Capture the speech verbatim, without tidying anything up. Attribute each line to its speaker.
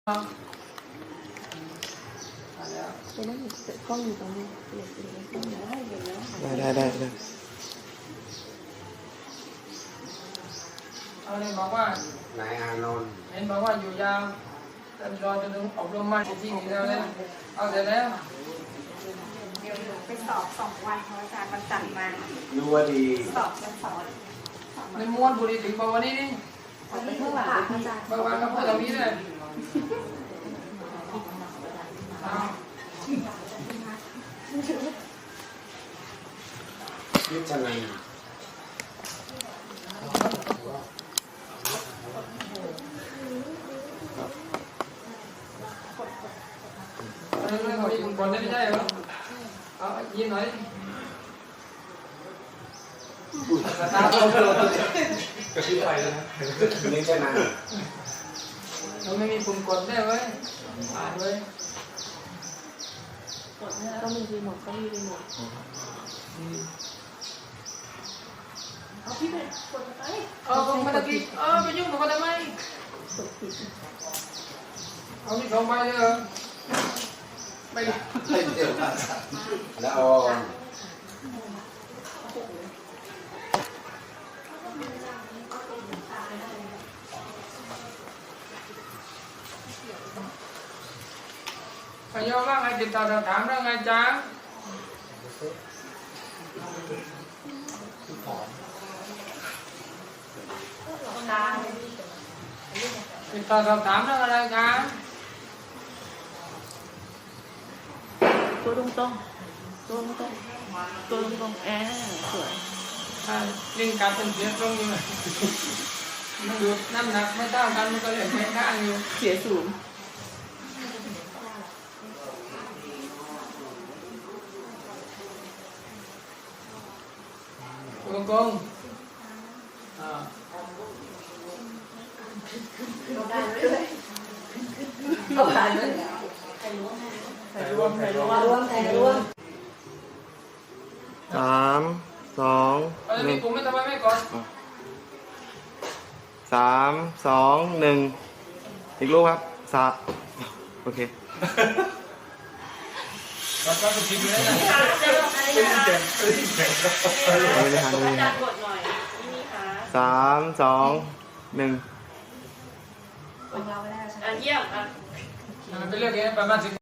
Speaker 1: ไปนั่งกล้องอยู่ตรงนี้ได้
Speaker 2: ได้ได้ได้
Speaker 3: เอาเลยบอกว่าน
Speaker 4: ายอานนท์
Speaker 3: เห็นบอกว่าอยู่ยาวแต่รอจนถึงอบรมมาจริงๆแล้วเลยเอาเสร็จแล้ว
Speaker 5: เดี๋ยวไปสอบสองวันเพราะอาจารย์มันจัดมา
Speaker 4: รู้ว่าดี
Speaker 5: สอบวันเสาร์
Speaker 3: ในม้วนบุรีถึงบอกวันนี้นี่
Speaker 1: ไปข้างหลังอาจารย์
Speaker 3: บางวันก็พูดตรงนี้เลยเอา
Speaker 4: พิจารณา
Speaker 3: เรื่องของมีคนได้ไม่ใช่เหรอเอายิ้มหน่อยตาโตกระพริบไฟเลยนะ
Speaker 4: พิจารณา
Speaker 3: เราไม่มีปุ่มกดได้เว้ยอ่านเว้ย
Speaker 1: ก็มีรีโมทก็มีรีโมทเอาพี่ไปกดไป
Speaker 3: เออผมมาตะกี้เออไปยุ่งกับมันทำไม
Speaker 1: กดผิด
Speaker 3: เอาที่สองใบเลยเหรอไม่
Speaker 4: แล้วออน
Speaker 3: พยอมว่าไงติดต่อถามเรื่องไงจ๊ะติดต่อสอบถามเรื่องอะไรจ๊ะ
Speaker 1: ตัวตรงตรงตัวตรงตรงตัวตรงตรงแอร์สวย
Speaker 3: อ่าลิงการเป็นเสียตรงอยู่เลยมันดูน้ำหนักไม่เท่ากันมันก็เลยไม่ข้างอยู่
Speaker 1: เสียสูง
Speaker 3: ตัวกงอ่า
Speaker 1: เอาได้เลยใครรวมใครรวมใครรวมใครรวม
Speaker 2: สามสอง
Speaker 3: เออ
Speaker 2: ห
Speaker 3: มี
Speaker 2: นึ่ง
Speaker 3: กลุ่มไม่ทำไมไม่กด
Speaker 2: สามสองหนึ่งอีกลูกครับสามโอเค
Speaker 3: กดก็ถูกทิ้งเลยนะ
Speaker 2: ไม่ได้ทันเลยสามสองหนึ่ง
Speaker 5: ของเราไม่ได้ใช่ไหม
Speaker 1: อ่ะเยี่ยมอ่ะ
Speaker 3: ไปเลือกเองประมาณสิบ